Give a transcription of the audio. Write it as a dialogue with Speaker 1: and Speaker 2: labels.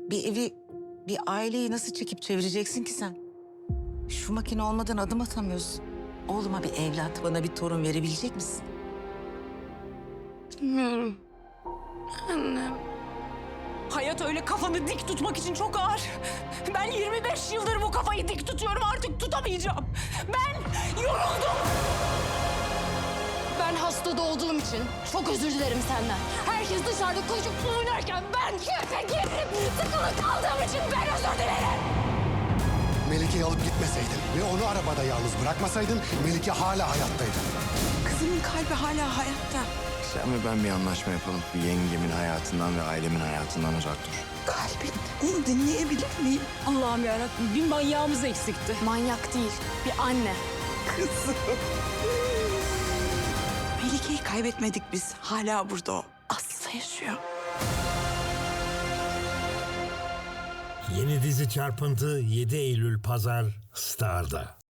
Speaker 1: Bir evi, bir aileyi nasıl çekip çevireceksin ki sen? Şu makine olmadan adım atamıyorsun. Oğluma bir evlat, bana bir torun verebilecek misin?
Speaker 2: Bilmiyorum. Annem.
Speaker 3: Hayat öyle kafanı dik tutmak için çok ağır. Ben 25 yıldır bu kafayı dik tutuyorum, artık tutamayacağım. Ben yoruldum.
Speaker 2: Ben hastada olduğum için çok özür dilerim senden. Herkes dışarıda koşup oynarken ben keyfe girip sıkılı kaldığım için ben özür dilerim.
Speaker 4: Melike'yi alıp gitmeseydin ve onu arabada yalnız bırakmasaydın Melike hala hayattaydı.
Speaker 1: Kızımın kalbi hala hayatta.
Speaker 5: Sen ve ben bir anlaşma yapalım. Yengemin hayatından ve ailemin hayatından uzak dur.
Speaker 1: Kalbin, onu dinleyebilir miyim?
Speaker 3: Allah'ım yarabbim, bir manyağımız eksikti.
Speaker 2: Manyak değil, bir anne.
Speaker 1: Kızım. Melike'yi kaybetmedik biz. Hala burada o. Aslı yaşıyor.
Speaker 6: Yeni dizi Çarpıntı 7 Eylül Pazar Star'da.